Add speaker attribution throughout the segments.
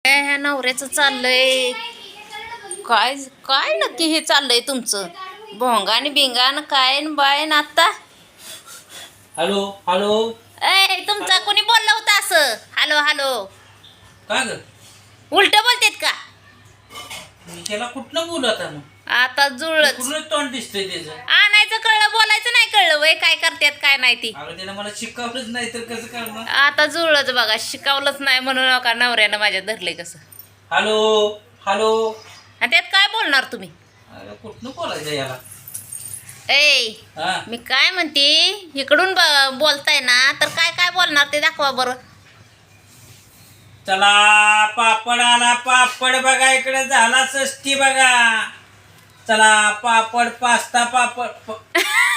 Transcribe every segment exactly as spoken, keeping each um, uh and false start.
Speaker 1: ह्या नवऱ्याचं चाललंय काय काय नक्की हे चाललंय तुमचं भोंगान बिंगान काय न बाय न आता
Speaker 2: हॅलो हॅलो
Speaker 1: ए तुमचा कोणी बोललं होतं असं हॅलो हॅलो
Speaker 2: काय ग
Speaker 1: उलट बोलतेत का
Speaker 2: मी त्याला कुठनं बोलू आता मग
Speaker 1: आता जुळच
Speaker 2: कुठलं तोंड दिसतंय त्याचं
Speaker 1: आणायचं कळलं बोलायचं नाही कळलं वय काय करतात काय नाही ती
Speaker 2: अगं त्याला मला शिकवलंच नाही तर कसं करणार
Speaker 1: आता जुळच बघा शिकवलंच नाही म्हणून नका नवऱ्यानं माझ्या धरले कसं
Speaker 2: हॅलो हॅलो
Speaker 1: आणि त्यात काय बोलणार तुम्ही
Speaker 2: अरे कुठनं बोलायचं याला
Speaker 1: ए
Speaker 2: हा
Speaker 1: मी काय म्हणते इकडून ब- बोलताय ना तर काय काय बोलणार ते दाखवा बरं
Speaker 2: चला पापड आला पापड बघा इकडे झाला सस्ती बघा चला पापड पास्ता पापड प-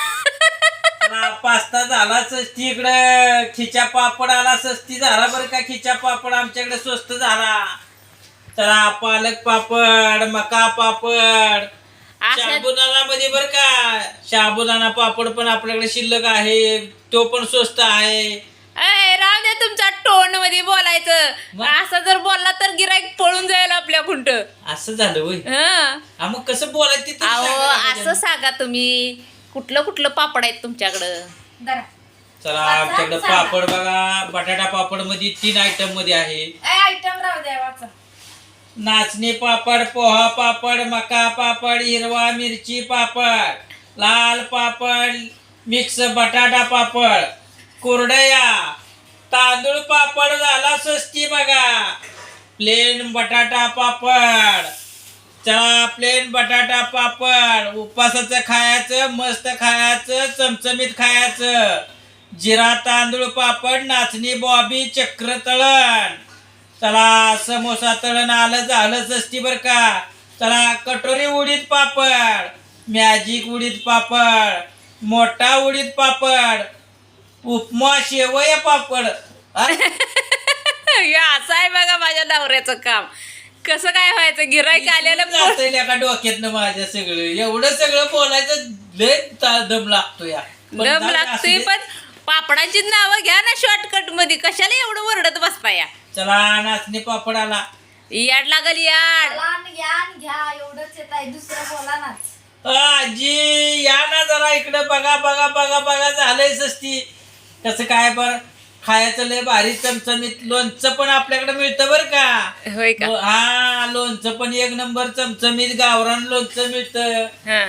Speaker 2: चला पास्ता झाला सस्ती इकडे खिचा पापड आला सस्ती झाला बरं का खिचा पापड आमच्याकडे स्वस्त झाला चला पालक पापड मका पापड
Speaker 1: असं
Speaker 2: साबुदाणा मध्ये बर का साबुदाणा पापड पण आपल्याकडे शिल्लक आहे तो पण स्वस्त आहे
Speaker 1: ए राव दे तुमच्या टोन मध्ये बोलायचं
Speaker 2: मग?
Speaker 1: असं जर बोलला तर गिराईक पळून जाईल आपल्या खुंट
Speaker 2: असं झालं होय
Speaker 1: हं
Speaker 2: हा, मग कसं बोलायचं ते तरी
Speaker 1: अहो
Speaker 2: सांगा ना
Speaker 1: असं
Speaker 2: माझ्या.
Speaker 1: सांगा तुम्ही कुठलं कुठलं पापड आहेत तुमच्याकडं
Speaker 2: चला आमच्याकडे पापड बघा बटाटा पापड मध्ये तीन आयटम मध्ये आहे
Speaker 3: आयटम राहू द्या वाचा
Speaker 2: नाचणी पापड पोहा पापड मका पापड हिरवा मिरची पापड लाल पापड मिक्स बटाटा पापड कुरडया तांदूळ पापड झाला स्वस्ती बघा प्लेन बटाटा पापड चला प्लेन बटाटा पापड उपासाचं खायचं मस्त खायचं चमचमीत खायचं जिरा तांदूळ पापड नाचणी बॉबी चक्र तळण चला समोसा तळण आलं झालं सस्ती बर का चला कटोरी उडीद पापड मॅजिक उडीद पापड मोठा उडीद पापड उपमा शेवया पापड हा?
Speaker 1: हे असं आहे बघा माझ्या नवऱ्याचं काम कसं काय व्हायचं गिराईक आलेलं पोट-
Speaker 2: जातंय लेका डोक्यातनं माझ्या सगळं एवढं सगळं बोलायचं लय ता- दम लागतो या पण
Speaker 1: दम
Speaker 2: जाऊ दे,
Speaker 1: लागतोय
Speaker 2: असू दे.
Speaker 1: पण पापडांची नावं घ्या ना शॉर्टकट मध्ये कशाला एवढं वरडत बसता या
Speaker 2: चला नाचणी पापड आला
Speaker 1: याड लागल याड
Speaker 3: लहान घ्या आणि घ्या एवढंच येत आहे दुसरं बोला ना
Speaker 2: आजी या ना जरा इकडं बघा बघा बघा बघा झालंय सस्ती कसं काय बर खायचं लय भारी चमचमीत लोणचं पण आपल्याकडे मिळतं बर का
Speaker 1: होय का
Speaker 2: लो- हा लोणचं पण एक नंबर चमचमीत गावरान लोणचं मिळतं
Speaker 1: हा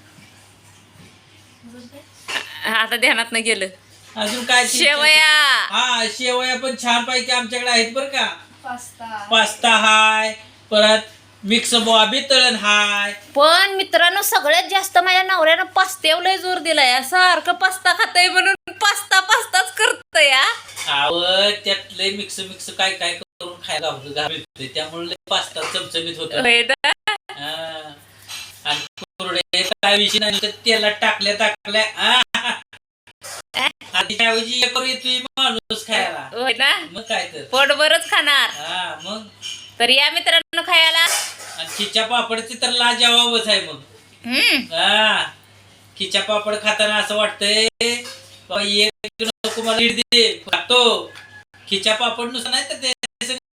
Speaker 1: आता ध्यानात न गेलं
Speaker 2: अजून काय ते-
Speaker 1: शेवया
Speaker 2: हा शेवया पण छान पैकी आमच्याकडे आहेत बर का
Speaker 3: पास्ता
Speaker 2: पास्ता हाय परत मिक्स बॉबी तळण हाय
Speaker 1: पण मित्रांनो सगळ्यात जास्त माझ्या नवऱ्यानं पास्त्यावर लय जोर दिलाय सारखं पास्ता खातय म्हणून पास्ता पास्ताच करतय या
Speaker 2: आव त्यात लय मिक्स मिक्स काय काय करून खायला घालतो- घालतोय त्यामुळे लय पास्ता चमचमीत होत
Speaker 1: होय ना?
Speaker 2: आणि कुरडे काय विषय नाही तर तेलात टाकल्या टाकल्या आ. आणि त्याऐवजी एक करू येतोय माणूस खायला
Speaker 1: होय ना
Speaker 2: मग काय तर
Speaker 1: पोटभरच खाणार
Speaker 2: हा मग
Speaker 1: तर या मित्रांनो खायला
Speaker 2: आणि खिच्या पापडची तर लाजवाबच आहे मग
Speaker 1: हम्म
Speaker 2: हा खिच्या पापड खाताना असं वाटतंय बाबा एक नको मला लीड दे खातो खिच्या पापड नुसतं नाही तर ते